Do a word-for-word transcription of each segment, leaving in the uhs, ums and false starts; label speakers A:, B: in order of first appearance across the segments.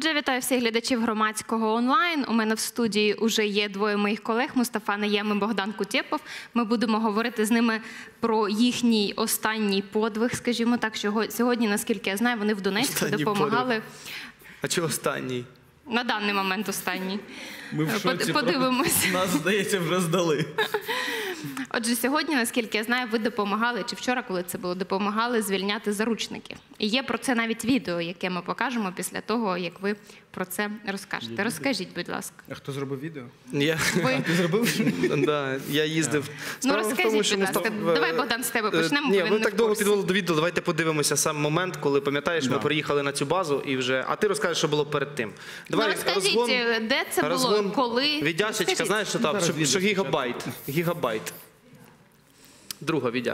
A: Отже, вітаю всіх глядачів громадського онлайн. У мене в студії вже є двоє моїх колег – Мустафа Наєм і Богдан Кутєпов. Ми будемо говорити з ними про їхній останній подвиг, скажімо так, що сьогодні, наскільки я знаю, вони в Донецьку
B: останній
A: допомагали.
B: подвиг. А чого останній?
A: На даний момент останній.
B: Ми в шоці.
A: Подивимось.
B: Нас, здається, вже здали.
A: Отже, сьогодні, наскільки я знаю, ви допомагали, чи вчора, коли це було, допомагали звільняти заручників. І є про це навіть відео, яке ми покажемо після того, як ви про це розкажете. Розкажіть, будь ласка.
C: А хто зробив відео?
B: Я...
A: Ви.
C: А ти зробив?
B: Да, я їздив.
A: Ну, розкажіть, будь ласка. Давай, Богдан, з тебе почнемо.
B: Ні, ви так довго підвели до відео, давайте подивимося сам момент, коли, пам'ятаєш, ми приїхали на цю базу і вже... А ти розкажеш, що було перед тим.
A: Ну, розкажіть, де це було, коли...
B: Віддячечка, знаєш, що там? Що, що гігабайт. Гігабайт. Друга віддя.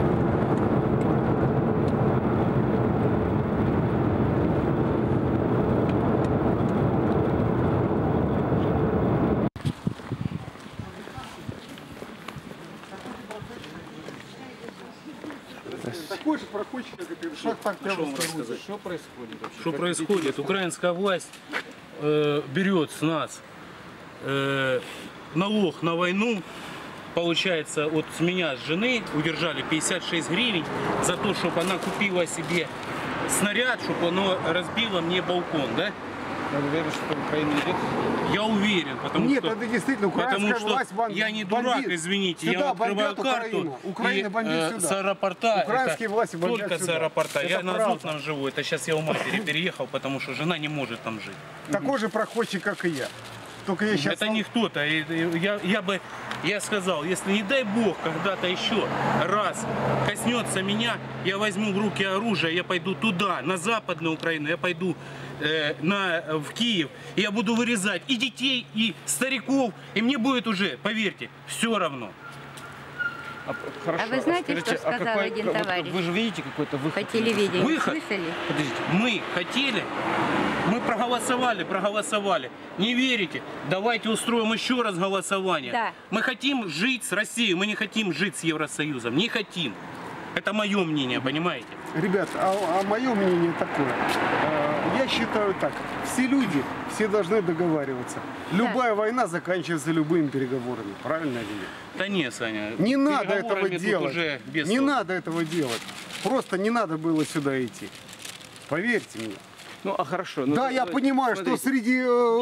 D: Такой же проходчик, как и шаг так прямо сказать.
C: Что происходит вообще?
E: Что происходит? Украинская власть э, берет с нас э, налог на войну. Получается, вот с меня, с жены, удержали пятьдесят шесть гривен за то, чтобы она купила себе снаряд, чтобы оно разбило мне балкон, да?
C: Я уверен, что Украина идет.
E: Я уверен, потому
D: Нет,
E: что,
D: это действительно украинская
E: потому что
D: власть бан-
E: я не
D: бомбит.
E: дурак, извините,
D: Сюда
E: я открываю
D: бомбят
E: карту,
D: Украину. Украина
E: и
D: бомбит
E: э,
D: сюда.
E: с аэропорта,
D: Украинские
E: это
D: власти бомбят
E: только
D: сюда.
E: с аэропорта.
D: Это
E: Я на
D: правда.
E: Азотном живу, это сейчас я у матери переехал, потому что жена не может там жить.
D: Такой же проходчик, как и я. Только я сейчас...
E: Это не кто-то. И- и Я, я бы, я сказал, если не дай бог когда-то еще раз коснется меня, я возьму в руки оружие, я пойду туда, на Западную Украину, я пойду э, на, в Киев, и я буду вырезать и детей, и стариков, и мне будет уже, поверьте, все равно.
C: А, хорошо,
F: А вы знаете,
C: скажите,
F: что сказал
C: какой-
F: один
C: вот
F: товарищ?
C: Вы же видите какой-то выход?
F: По телевидению
E: Выход?
F: слышали?
C: Подождите.
E: Мы хотели, мы проголосовали, проголосовали. Не верите? Давайте устроим еще раз голосование.
F: Да.
E: Мы хотим жить с Россией, мы не хотим жить с Евросоюзом. Не хотим. Это мое мнение, понимаете?
D: Ребят, а, а мое мнение такое. Э, Я считаю так. Все люди, все должны договариваться. Любая война заканчивается любыми переговорами. Правильно или нет?
E: Да не, Саня.
D: Не надо этого
E: переговорами тут
D: делать.
E: Уже без
D: Не
E: толку.
D: надо этого делать. Просто не надо было сюда идти. Поверьте мне.
C: Ну, а хорошо. ну,
D: Да,
C: то-
D: я
C: то-
D: понимаю, что
C: смотрите,
D: среди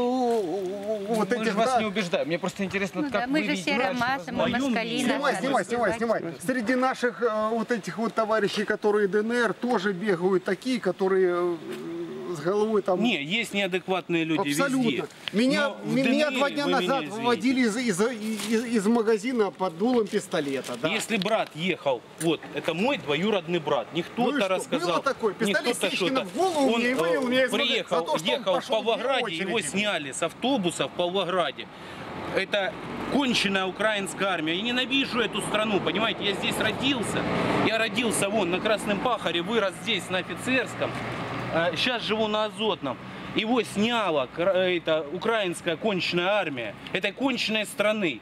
D: э, вот
C: мы же
D: этих...
C: вас
D: да,
C: не убеждаем. Мне просто интересно,
F: Ну
C: как
F: да,
C: вы
F: мы же
C: видите
F: все
C: дальше
F: ромасы, мы
C: возможность.
F: москали.
D: Снимай,
F: нас
D: снимай,
F: надо
D: снимай,
F: развивать.
D: снимай. Среди наших э, вот этих вот товарищей, которые ДНР, тоже бегают такие, которые э, с головой там...
E: Не, есть неадекватные люди
D: Абсолютно.
E: везде.
D: Меня,
E: Но в
D: меня
E: ДНР
D: два дня
E: вы
D: назад
E: меня извините.
D: выводили из, из, из, из магазина под дулом пистолета. Да.
E: Если брат ехал, вот, это мой двоюродный брат, не
D: Ну и
E: кто-то
D: что?
E: рассказал,
D: Было такое,
E: не
D: пистолет
E: кто-то
D: Сечкина
E: что-то.
D: в голову
E: Он
D: мне и вывел
E: э,
D: меня из магазина
E: приехал,
D: за то, что он
E: ехал в
D: пошел в
E: Павлограде,
D: очередь.
E: его сняли с автобуса в Павлограде. Это конченая украинская армия. Я ненавижу эту страну, понимаете, я здесь родился. Я родился вон на Красном Пахаре, вырос здесь на Офицерском. А сейчас живу на Азотном. Его сняла кра- эта украинская конченая армия этой конченной страны.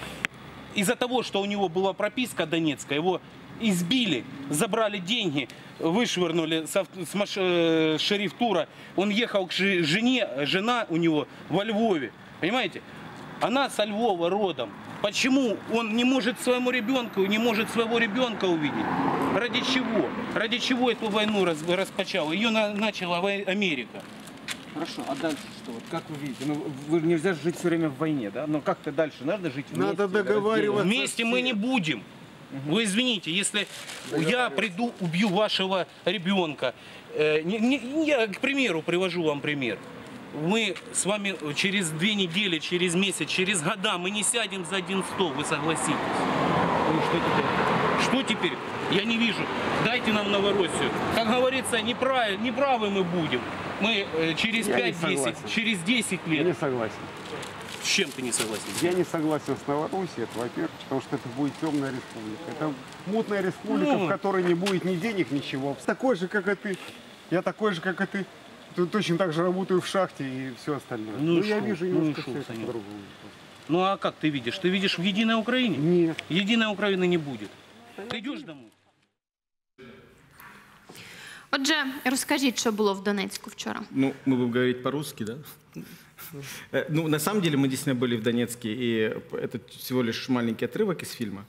E: Из-за того, что у него была прописка донецкая, его избили, забрали деньги, вышвырнули с, ав- с маш- э, шерифтура. Он ехал к жи- жене, жена у него во Львове. Понимаете? Она со Львова родом. Почему он не может своему ребенку, не может своего ребенка увидеть? Ради чего? Ради чего эту войну раз- распочала? Ее на- начала вой- Америка.
C: Хорошо, а дальше что? Вот как вы видите? Ну, вы нельзя же жить все время в войне, да? Но как-то дальше надо жить вместе.
D: Надо договариваться.
E: Вместе мы не будем. Вы извините, если я приду, убью вашего ребенка. э, не- не- Я, к примеру, привожу вам пример. Мы с вами через две недели, через месяц, через года мы не сядем за один стол, вы согласитесь?
C: Ну, что теперь?
E: Что теперь? Я не вижу. Дайте нам Новороссию. Как говорится, неправы, неправы мы будем. Мы э, через
D: Я не
E: пять-десять,
D: согласен.
E: через десять
D: Я не
E: лет.
D: согласен.
E: С чем ты не согласен?
D: Я не согласен с Новороссией, это во-первых, потому что это будет темная республика. Это мутная республика,
E: Ну.
D: в которой не будет ни денег, ничего. Такой же, как и ты. Я такой же, как и ты. Тут точно так же работаю в шахте и все остальное.
E: Ну и
D: я
E: шо?
D: вижу
E: Ну и
D: немножко
E: шо,
D: всё это
E: Санек?
D: по-другому.
E: Ну а как ты видишь? Ты видишь в Единой Украине?
D: Нет.
E: Единой Украины не будет. Ты идешь домой?
A: Отже, розкажіть, що було в Донецьку вчора.
F: Ну, мы будем говорить по-русски, да? Э, Ну, на самом деле, мы действительно были в Донецке, и это всего лишь маленький отрывок из фильма.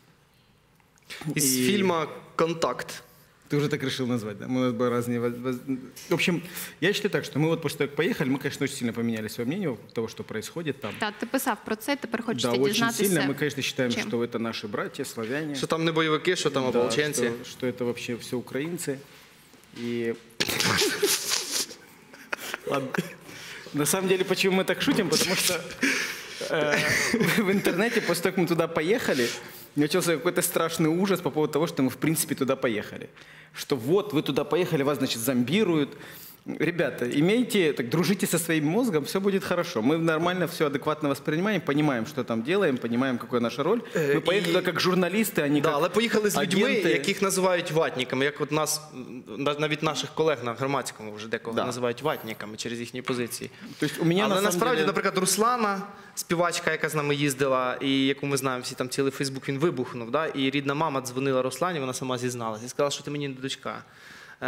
B: Із
F: І-
B: фільму «Контакт».
F: Ты уже так решил назвать, да? Мы у нас были разные... воз- воз- В общем, я считаю так, что мы вот после того, как поехали, мы, конечно, очень сильно поменяли свое мнение того, что происходит там.
A: Так, ти писав про це, тепер
F: Да,
A: хочете
F: очень
A: дізнатися.
F: сильно. Мы, конечно, считаем,
A: чим.
F: что это наши братья, славяне.
B: Що там не бойовики, що там
F: Да,
B: ополченці.
F: что, что это вообще все украинцы. И... Ладно. На самом деле, почему мы так шутим? Потому что э, в интернете, после того, как мы туда поехали, начался какой-то страшный ужас по поводу того, что мы, в принципе, туда поехали. Что вот, вы туда поехали, вас, значит, зомбируют. Ребята, имейте, так, дружите со своим мозгом, все будет хорошо. Мы нормально все адекватно воспринимаем, понимаем, что там делаем, понимаем, какая наша роль.
B: Э,
F: Мы поехали
B: и-
F: туда как журналисты, а не
B: Да,
F: как
B: але поїхали з людьми,
F: агенти.
B: яких називають ватниками, як от нас, м, навіть наших колег на громадському вже декого
F: Да.
B: називають ватниками через їхні позиції.
F: То есть у меня
B: Але
F: на самом
B: насправді,
F: деле...
B: наприклад, Руслана, співачка, яка з нами їздила, і яку ми знаємо всі, там цілий Фейсбук він вибухнув, да? І рідна мама дзвонила Руслані, вона сама зізналася і сказала, що ти мені не дочка. Е,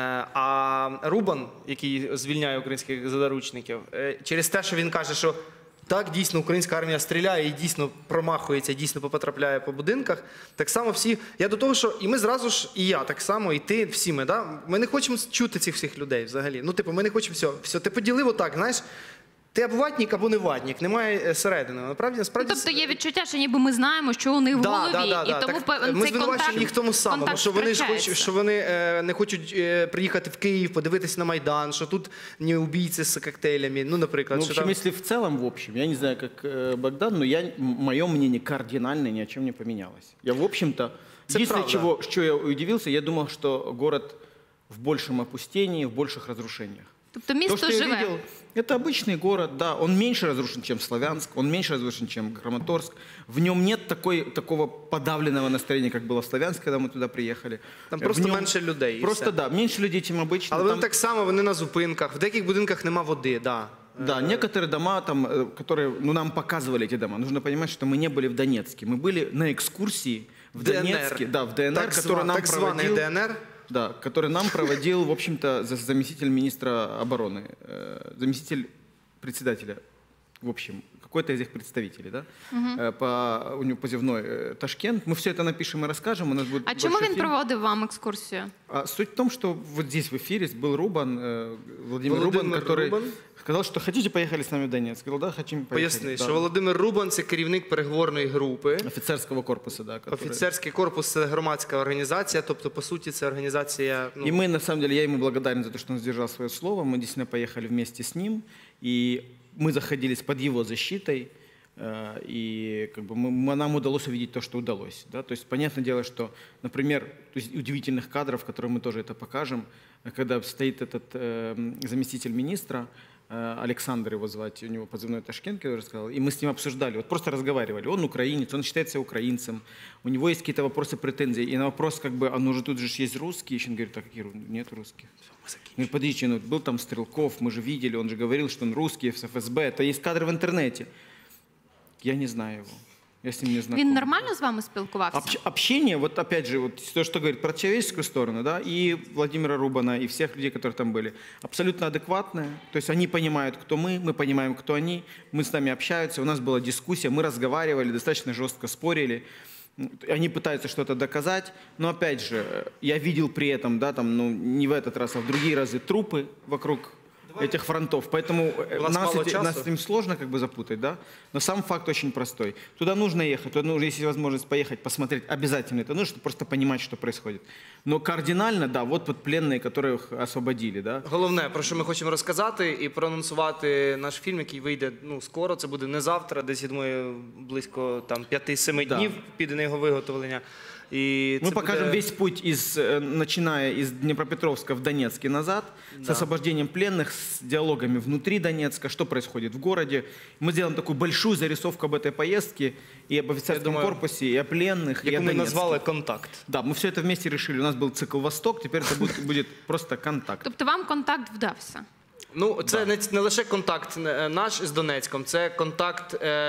B: А Рубан, який звільняє українських заручників, е, через те, що він каже, що так, дійсно, українська армія стріляє і дійсно промахується, дійсно потрапляє по будинках. Так само всі. Я до того, що і ми зразу ж, і я так само, і ти, всі ми, да? Ми не хочемо чути цих всіх людей взагалі. Ну, типу, ми не хочемо все. все. Ти поділив отак, знаєш, ти або ватник, або не ватник, немає е, середини. Насправді, насправді,
A: Тобто є відчуття, що ніби ми знаємо, що у них в
B: Да,
A: голові,
B: да, да,
A: і
B: да.
A: тому
B: Так,
A: певен
B: ми
A: цей
B: звинувачуємо
A: контакт,
B: їх в тому самому,
A: контакт
B: що вони ж
A: втрачається.
B: хочуть, що вони е, не хочуть е, приїхати в Київ, подивитися на Майдан, що тут не убійці з коктейлями, ну, наприклад.
F: Ну, в
B: що
F: общем,
B: там...
F: если в целом, в общем, я не знаю, как э, Богдан, но я, мое мнение кардинально ни о чем не поменялось. Я, в общем-то,
B: Это
F: единственное,
B: правда.
F: чего, что я удивился, я думал, что город в большем опустении, в больших разрушениях.
A: Тобто
F: То,
A: місто
F: что я
A: живе.
F: видел, это обычный город, да, он меньше разрушен, чем Славянск, он меньше разрушен, чем Краматорск. В нем нет такой, такого подавленного настроения, как было в Славянске, когда мы туда приехали.
B: Там
F: В
B: просто
F: нем
B: менше людей. і
F: Просто,
B: все.
F: да, меньше людей, чем обычно.
B: Але вони
F: Там-
B: так само, вони на зупинках. В деяких будинках нема води, да.
F: Да, некоторые дома, там, э, которые ну, нам показывали эти дома, нужно понимать, что мы не были в Донецке. Мы были на экскурсии в
B: ДНР.
F: Донецке, да, в ДНР,
B: Так,
F: который
B: зва-
F: нам
B: так званий
F: проводил,
B: ДНР.
F: да, который нам проводил, в общем-то, за- заместитель министра обороны, э, заместитель председателя, в общем, какой-то из их представителей, да, Э, по, у него позывной э, Ташкент. Мы все это напишем и расскажем, у нас будет
A: А чому
F: большой
A: він
F: фильм.
A: проводив вам екскурсію?
F: А суть в том, что вот здесь в эфире был Рубан, э, Владимир, Рубан,
B: Владимир
F: который
B: Рубан.
F: сказал, что хотите, поехали с нами в Донецк. Сказал, да, хотим поехать.
B: Поясни,
F: Да.
B: що Володимир Рубан – це керівник переговорної групи.
F: Офицерского корпуса, да. Который...
B: Офіцерський корпус – це громадська організація, тобто, по суті, це організація... Ну,
F: И мы, на самом деле, я ему благодарен за то, что он сдержал свое слово. Мы действительно поехали вместе с ним, и мы заходились под его защитой, э, и как бы мы, нам удалось увидеть то, что удалось. Да? То есть, понятное дело, что, например, то есть удивительных кадров, которые мы тоже это покажем, когда стоит этот э, заместитель министра, э, Александр его звать, у него позывной Ташкент, я уже сказал, и мы с ним обсуждали, вот просто разговаривали. Он украинец, он считает себя украинцем, у него есть какие-то вопросы, претензии, и на вопрос, как бы, а ну же тут же есть русские, еще он говорит, так какие ру- нет русских. Говорит, подождите, ну был там Стрелков, мы же видели, он же говорил, что он русский, с эф эс бэ, это есть кадры в интернете. Я не знаю его, я с ним не знаком.
A: Він нормально з вами спілкувався?
F: Общ- общение, вот опять же, вот то, что говорит про человеческую сторону, да, и Владимира Рубана, и всех людей, которые там были, абсолютно адекватные. То есть они понимают, кто мы, мы понимаем, кто они, мы с нами общаются, у нас была дискуссия, мы разговаривали, достаточно жестко спорили. Они пытаются что-то доказать, но опять же, я видел при этом, да, там, ну, не в этот раз, а в другие разы трупы вокруг этих фронтов, поэтому э,
B: У нас
F: нас,
B: мало
F: эти-
B: часу.
F: нас с этим сложно как бы запутать, да, но сам факт очень простой. Туда нужно ехать, туда нужно, если есть возможность поехать, посмотреть, обязательно это нужно, чтобы просто понимать, что происходит. Но кардинально, да, вот, вот пленные, которых освободили, да.
B: Головне, про що ми хочемо розказати і проанонсувати наш фільм, який вийде ну, скоро, це буде не завтра, десь, я думаю, близько там, п'яти-семи
F: Да.
B: днів піде на його виготовлення. І
F: Мы
B: це
F: покажем
B: буде...
F: весь путь, из, э, начиная из Днепропетровска в Донецк и назад, с освобождением пленных, с диалогами внутри Донецка, что происходит в городе. Мы сделаем такую большую зарисовку об этой поездке и об офицерском
B: думаю,
F: корпусе, и о пленных, и о
B: яку ми
F: Донецке.
B: назвали «Контакт».
F: Да, мы все это вместе решили. У нас был цикл «Восток», теперь это будет, будет просто контакт.
A: Тобто вам контакт вдався?
B: Ну, це не, не лише контакт е, наш з Донецьком, це контакт е,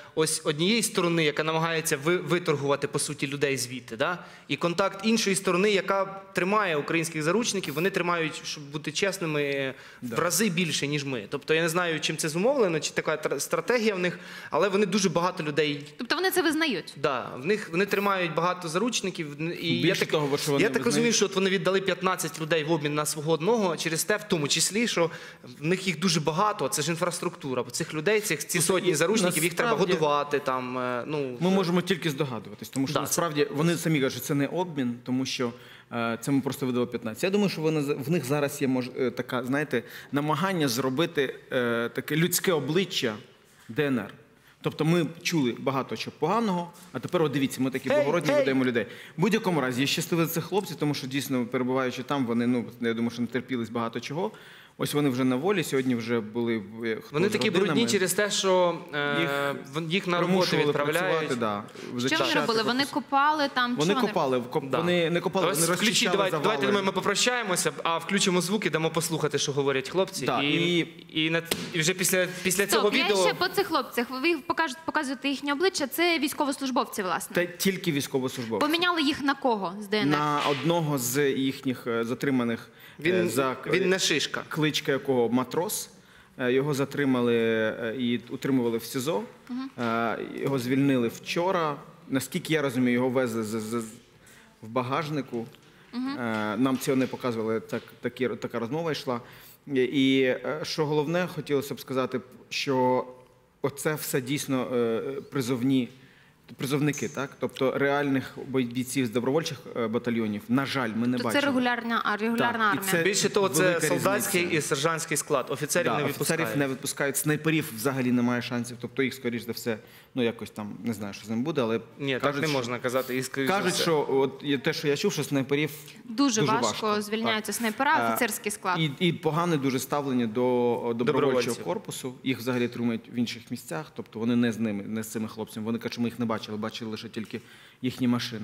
B: ось однієї сторони, яка намагається ви- виторгувати, по суті, людей звідти, да? І контакт іншої сторони, яка тримає українських заручників, вони тримають, щоб бути чесними, в рази більше, ніж ми. Тобто я не знаю, чим це зумовлено, чи така тр- стратегія в них, але вони дуже багато людей.
A: Тобто вони це визнають?
B: Да, в них вони тримають багато заручників, і я
F: Більше
B: так,
F: того, що вони
B: я так
F: визнають-
B: розумію, що от вони віддали п'ятнадцять людей в обмін на свого одного через те, в тому числі, що в них їх дуже багато. Це ж інфраструктура. Бо цих людей, цих ці сотні
F: і
B: заручників, їх треба
F: насправді-
B: годувати там. е, Ну
F: Ми можемо тільки здогадуватись, тому що
B: Да,
F: насправді вони самі кажуть, що це не обмін, тому що е, це ми просто видали п'ятнадцять. Я думаю, що вони, в них зараз є мож, е, така, знаєте, намагання зробити е, таке людське обличчя ДНР. Тобто ми чули багато чого поганого, а тепер от дивіться, ми такі
B: Гей,
F: благородні
B: гей!
F: ведемо людей. В будь-якому разі, я щасливий за цих хлопців, тому що дійсно, перебуваючи там, вони, ну, я думаю, що натерпілись багато чого. Ось вони вже на волі, сьогодні вже були в- хто
B: вони
F: з
B: такі
F: родинами.
B: брудні через те, що е,
F: Їх
B: їх, їх на роботу
F: Примушували
B: відправляють.
F: працювати, да,
A: Що вони
F: зачищати
A: робили? Вони
F: просто.
A: копали там?
F: Вони
A: що
F: копали, коп-
B: Да.
F: вони не копали,
B: Ось
F: вони
B: включіть,
F: розчищали
B: давайте,
F: завали.
B: давайте думаю, ми попрощаємося, а включимо звуки, дамо послухати, що говорять хлопці.
F: Да,
B: і,
F: і-
B: і, на- і вже після, після цього
A: Стоп, я
B: відео.
A: ще по цих хлопцях. Ви покажете, показуєте їхнє обличчя. Це військовослужбовці, власне.
F: Та тільки військовослужбовці.
A: Поміняли їх на кого з ДНР?
F: На одного з їхніх е, затриманих е,
B: Він,
F: за
B: він не шишка.
F: кличка якого матрос. Е, Його затримали е, і утримували в СІЗО. Е, Його звільнили вчора. Наскільки я розумію, його везли з, з, з- в багажнику. Е, Нам цього не показували, так, такі, така розмова йшла. І, і е, що головне, хотілося б сказати, що оце все дійсно е, призовні призовники, так? Тобто реальних бійців з добровольчих е, батальйонів, на жаль, ми не
A: То
F: бачимо.
A: це регулярна, а, регулярна
F: Так, і
A: армія.
F: це-
B: Більше того, це
F: велика
B: солдатський
F: різниця.
B: і сержантський склад. Офіцерів
F: Да,
B: не
F: офіцерів
B: відпускають.
F: не відпускають, снайперів взагалі немає шансів. Тобто їх, скоріш за все, ну якось там, не знаю, що з ним буде, але
B: Ні,
F: кажуть,
B: так не
F: що-
B: можна казати. І, скоріш за
F: Кажуть,
B: все.
F: що от є те, що я чув, що снайперів
A: Дуже,
F: дуже
A: важко,
F: важко,
A: звільняються
F: так.
A: снайпера,
F: Е,
A: офіцерський склад.
F: І, і погане дуже ставлення до добровольчого
B: Добровольців.
F: корпусу. Їх взагалі тримають в інших місцях, тобто вони не з ними, не з цими хлопцями. Вони кажуть, що ми їх не бачили, бачили лише тільки їхні машини.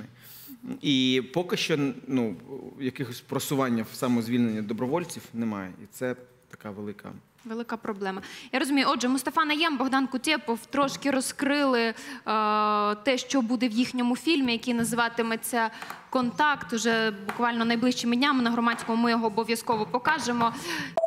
F: І поки що ну, якихось просування в самозвільнення добровольців немає. І це така велика.
A: Велика проблема. Я розумію. Отже, Мустафа Найєм, Богдан Кутєпов трошки розкрили е, те, що буде в їхньому фільмі, який називатиметься «Контакт». Уже буквально найближчими днями на Громадському ми його обов'язково покажемо.